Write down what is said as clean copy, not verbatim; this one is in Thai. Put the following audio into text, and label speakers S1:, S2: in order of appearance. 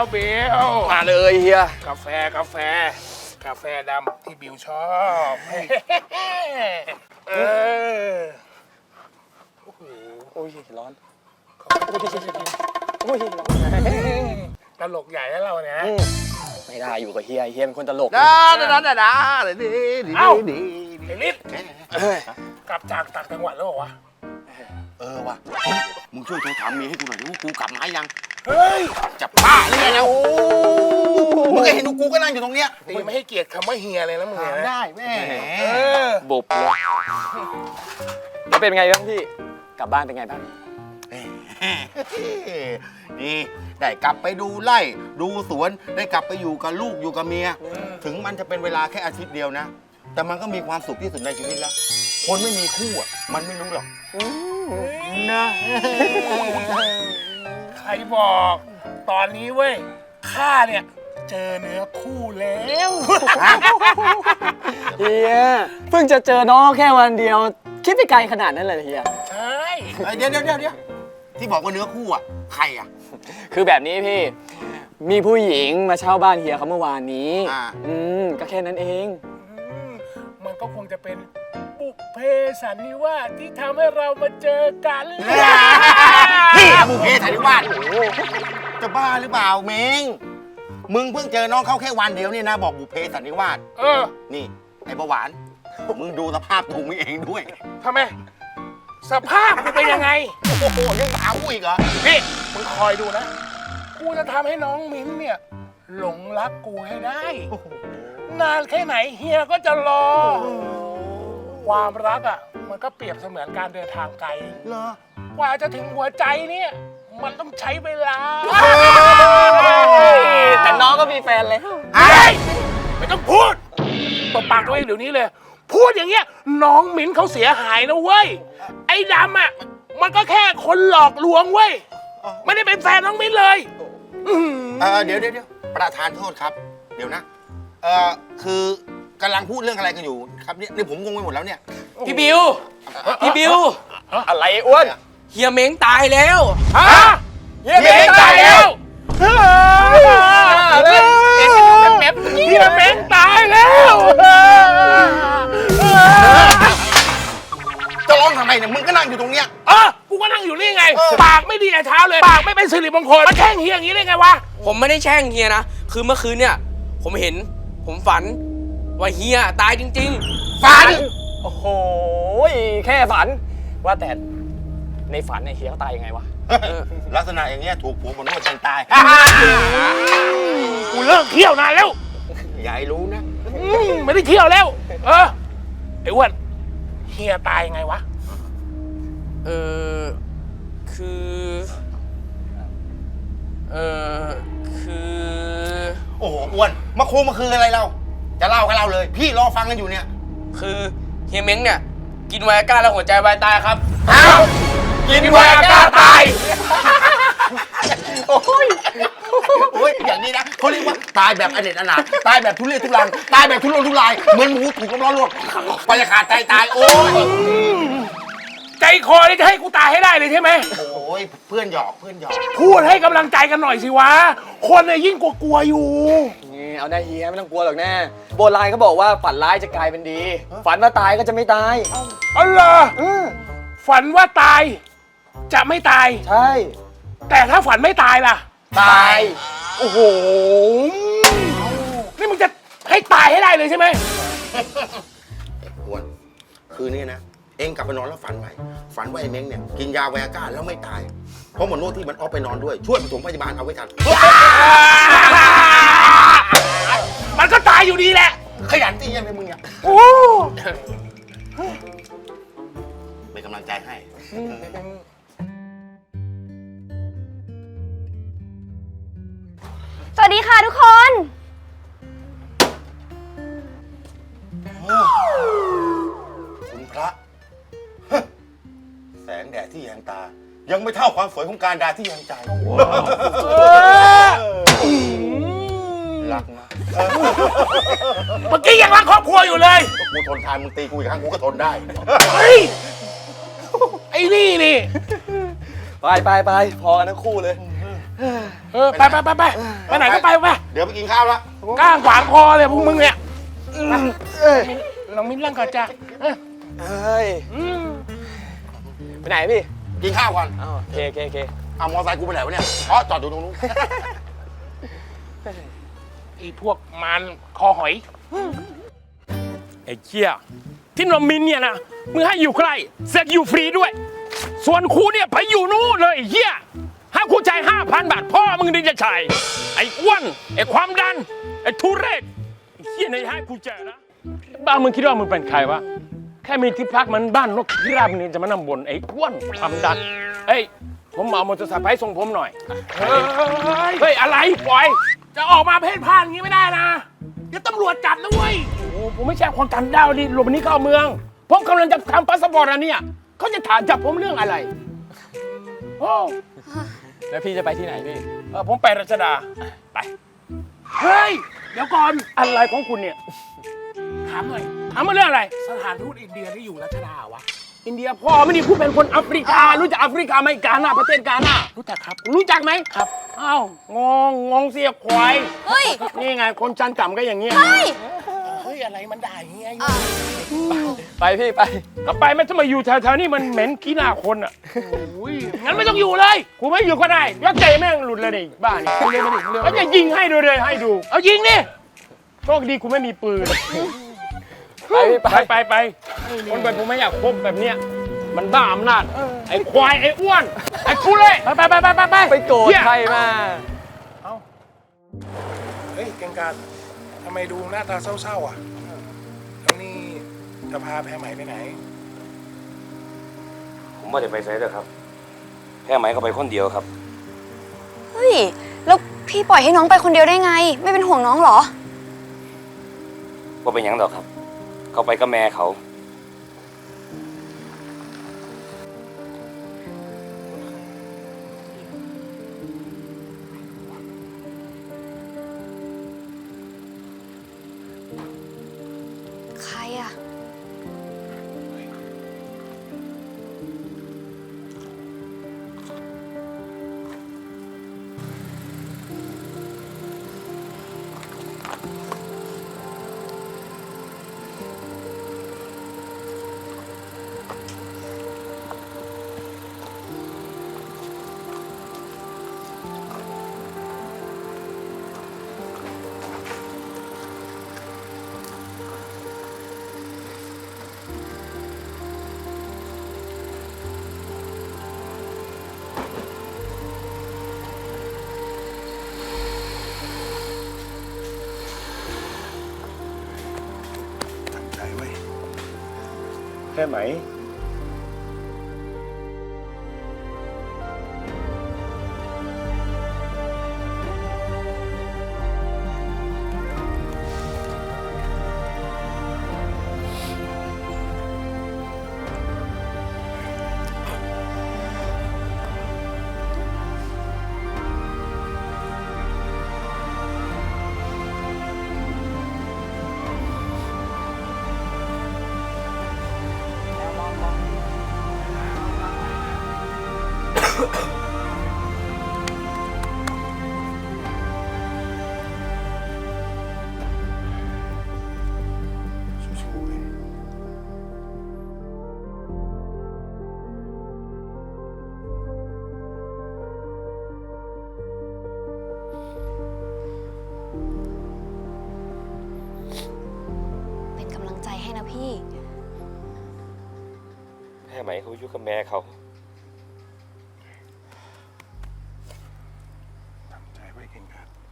S1: เบล
S2: มาเลยเฮีย
S1: กาแฟดำที่บิวชอบ
S2: โอ้ยร้อนโอ้ยร้อน
S1: ตลกใหญ่แล้วเราเนี่ย
S2: ไม่ได้อยู่กับเฮียเป็นคนตลก
S1: เอ้าไอ้ลิศกลับจากต่างจังหวัดแล้วเหรอวะ
S3: ว่ะมึงช่วยโทรถามเมียให้กูหน่อยดิว่ากูกลับมายัง
S1: เฮ้ย
S3: จะบ้าหรือไงแล้วมึงก็เห็นกูก็นั่งอยู่ตรงเนี้ย
S1: ตีไม่ให้เกียรติคำว่าเฮียเลยนะมึงเนี่ยนะ
S3: ได้แม่
S2: บุบเลยแล้วเป็นไงบ้างพี่กลับบ้านเป็นไงบ้าง
S3: นี่ได้กลับไปดูไร่ดูสวนได้กลับไปอยู่กับลูกอยู่กับเมียถึงมันจะเป็นเวลาแค่อาทิตย์เดียวนะแต่มันก็มีความสุขที่สุดในชีวิตแล้วคนไม่มีคู่อ่ะมันไม่รู้หรอกนะ
S1: ใครบอกตอนนี้เว้ยข้าเนี่ยเจอเนื้อคู่แล้ว
S2: เฮียเพิ่งจะเจอน้องแค่วันเดียวคิดไปไกลขนาดนั้นเลยเฮีย
S1: ใช่
S3: เดี๋ยวที่บอกว่าเนื้อคู่อ่ะใครอ่ะ
S2: คือแบบนี้พี่มีผู้หญิงมาเช่าบ้านเฮียเขาเมื่อวานนี้
S3: อ่า
S2: ก็แค่นั้นเอง
S1: มันก็คงจะเป็นบุพเพสันนิวาสที่ทำให้เรามาเจอกัน
S3: พี่บุพเพสันนิวาสจะบ้าหรือเปล่าเม้งมึงเพิ่งเจอน้องเขาแค่วันเดียวเนี่ยนะบอกบุพเพสันนิวาส นี่ไอ้เบาหวานมึงดูสภาพตัวมึงเองด้วย
S1: ทำไมสภาพกูเป็นยังไง
S3: โอ้โหยังถามกูอีกเหรอ
S1: นี่มึงคอยดูนะ กูจะทำให้น้องมิ้นเนี่ยหลงรักกูให้ได้ นานแค่ไหนเฮียก็จะรอ ความรักอ่ะมันก็เปรียบเสมือนการเดินทางไกล
S3: เหรอก
S1: ว่าจะถึงหัวใจเนี่ยมันต้องใช้เวลา
S2: แต่น้องก็มีแฟนแล้ว
S1: เฮ้ยไม่ต้องพูดตบปากตัวเองเดี๋ยวนี้เลย พูดอย่างเงี้ยน้องมิ้นเขาเสียหายนะเว้ย ไอ้ดำอ่ะมันก็แค่คนหลอกลวงเว้ย ไม่ได้เป็นแฟนน้องมิ้นเลย
S3: เดี๋ยวประธานโทษครับ เดี๋ยวนะคือกำลังพูดเรื่องอะไรกันอยู่ครับเนี่ยนี่ผมงงไปหมดแล้วเนี่ย
S4: พี่บิว
S2: อะไรอ้วน
S4: เฮียเม้งตายแล้ว
S1: ฮะเฮียเม้งตายแล้วเฮียเม้งตายแล้ว
S3: จะร้องทำไมเนี่ยมึงก็นั่งอยู่ตรงเนี้ย
S1: กูก็นั่งอยู่นี่ไง ปากไม่ดีแต่เช้าเลย ปากไม่เป็นสิริมงคลมาแช่งเฮียอย่างนี้ได้ไงวะ
S4: ผมไม่ได้แช่งเฮียนะ คือเมื่อคืนเนี่ย ผมฝันว่าเฮียตายจริง
S3: ฝัน
S2: โอ้โหแค่ฝันว่าแต่ในฝันไอ้เฮียเขาตายยังไงวะ
S3: ลักษณะอย่างเงี้ยถูกผัวมันนวดจนตาย
S1: กูเลิกเที่ยวนานแล้ว
S3: อย่าให้รู้นะ
S1: ไม่ได้เที่ยวแล้ว ไอ้อ้วนเฮียตายยังไงวะ
S4: ๆ คือ
S3: โอ้โหอ้วนมาคุมาคืออะไรเราจะเล่าก็เล่าเลย พี่รอฟังกันอยู่เนี่ย
S4: คือเฮียเม้งเนี่ย กินไวอาก้าแล้วหัวใจวายตายครับ
S3: อ้าวกินไวอาก้าตายโอ้ยอย่างนี้นะเขาเรียกว่าตายแบบอเนจอนาถตายแบบทุเรศทุรังตายแบบทุรนทุรายเหมือนหมูถูกน้ำร้อนลวกไปจะขาดใจตายโอ้ย
S1: ใจคอนี่จะให้กูตายให้ได้เลยใช่ไหม
S3: โอ้ยเพื่อนหยอก
S1: พูดให้กำลังใจกันหน่อยสิวะ คนเนี่ยยิ่งกลัวอยู่
S2: นี่เอาได้เฮียไม่ต้องกลัวหรอกแน่โบราณเขาบอกว่าฝันร้ายจะกลายเป็นดี ฝันว่าตายก็จะไม่ตาย
S1: อ๋อเหรอฝันว่าตาย จะไม่ตาย
S2: ใช่
S1: แต่ถ้าฝันไม่ตายล่ะ
S2: ตาย
S1: โอ้โห นี่มึงจะให้ตายให้ได้เลยใช่ไหม
S3: อ้วนคืนนี้นะเองกลับไปนอนแล้วฝันไว้ฝันว่าไอ้เม้งเนี่ยกินยาไวอาก้าแล้วไม่ตายเพราะหมอนวดที่มันออฟไปนอนด้วยช่วยปฐมพยาบาลเอาไว้ทัน
S1: มันก็ตายอยู่ดีแหละ
S3: ขยันจริงยังไงมึงเนี่ย
S1: โอ้
S3: เป็นกำลังใจให้
S5: สวัสดีค่ะทุกคน
S3: คุณพระ แสงแดดที่แยงตา ยังไม่เท่าความสวยของการดาที่แยงใจรักนะ
S1: เมื่อกี้ยังรักครอบครัวอยู่เลย
S3: กูทนทานมึงตีกูอีกครั้งกูก็ทนได้
S1: เฮ้ย ไอ้นี่
S2: ไปพอกันทั้งคู่เลย
S1: ไปไหนก็ไปไป
S3: เดี๋ยวไปกินข้าวละ
S1: ก้างขวางคอเลยพวกมึงเนี่ยน้องมิ้นร่างก่อนจ้ะ
S2: เฮ้ย ไปไหนพี่
S3: กินข้าวก่อน
S2: อ้าวโอเค
S3: เอามอเตอร์ไซค์กูไปไหนวะเนี่ยอ๋อจอดอยู่ตรงนู้น
S1: ไอ้พวกมันคอหอย ไอ้เชี่ยที่น้องมิ้นเนี่ยนะมึงให้อยู่ใกล้เสร็จอยู่ฟรีด้วย ส่วนครูเนี่ยไปอยู่นู่นเลยไอ้เฮียห้ามครูจ่าย5,000 บาทพ่อมึงถึงจะจ่ายไอ้อ้วนไอ้ความดันไอ้ทุเรศไอ้เฮียในให้ครูจ่ายนะบ้านมึงคิดว่ามึงเป็นใครวะแค่มีที่พักมันบ้านนกพิราบนี่จะมานั่งบนไอ้อ้วนความดันเฮ้ยผมเอามอเตอร์ไซค์ไปส่งผมหน่อยเฮ้ยอะไรปล่อยจะออกมาเพ่นพ่านอย่างนี้ไม่ได้นะเดี๋ยวตำรวจจับนะเว้ยโอ้ผมไม่ใช่คนต่างดาวดิหลบหนีเข้าเมืองผมกำลังจะทำพาสปอร์ตอันเนี้ยเขาจะถามจับผมเรื่องอะไรโอ้
S2: แล้วพี่จะไปที่ไหนพี่
S1: ผมไปรัชดา ไป เฮ้ย เดี๋ยวก่อน อะไรของคุณเนี่ย ถามหน่อย ถามมาเรื่องอะไร สถานทูตอินเดียที่อยู่รัชดาวะ อินเดียพ่อไม่ได้พูดเป็นคนแอฟริกา รู้จักแอฟริกาไหมกาหน้าประเทศกาหน้ารู้จักครับ รู้จักไหมครับ อ้าว งงเสียควาย
S5: เฮ้ย
S1: นี่ไง คนจันต่ำก็อย่างเงี้ย
S5: เฮ้ย
S1: เฮ้ย อะไรมันด่าอย่างเงี้ย
S2: ไปพี่ไป
S1: ก็ไปไม่ต้องมาอยู่แถวๆนี้มันเหม็นขี้หน้าคนอ่ะโอ้ยงั้นไม่ต้องอยู่เลยกูไม่อยู่ก็ได้ยักษ์ใจแม่งหลุดเลยนี่บ้านี่แล้วจะยิงให้ดูเลยให้ดู เอายิงนี่โชคดีกูไม่มีปืน
S2: ไปพี่ไป
S1: ไปคนแบบผมไม่อยากคบแบบเนี้ยมันบ้าอำนาจไอ้ควายไอ้อ้วนไอ้กูเลยไป
S2: ไปโกรธใครมา
S1: เฮ้ยเก่งการทำไมดูหน้าตาเศร้าๆอ่ะแล้วนี่จะพาแพรไหมไปไหน
S6: ผมไม่ได้ไปไสเด้อครับแค่ไหมก็ไปคนเดียวครับ
S5: เฮ้ย แล้วพี่ปล่อยให้น้องไปคนเดียวได้ไง ไม่เป็นห่วงน้องเหรอ
S6: ว่าเป็นหยังดอกครับ เขาไปกับแม่เขา
S5: ใครอะ
S1: ใจไว้แค่ไหม
S5: เป็นกำลังใจให้นะพี่
S6: แค่ไหมเขาอยู่กับแม่เขา
S1: ใจไว้เก่งการ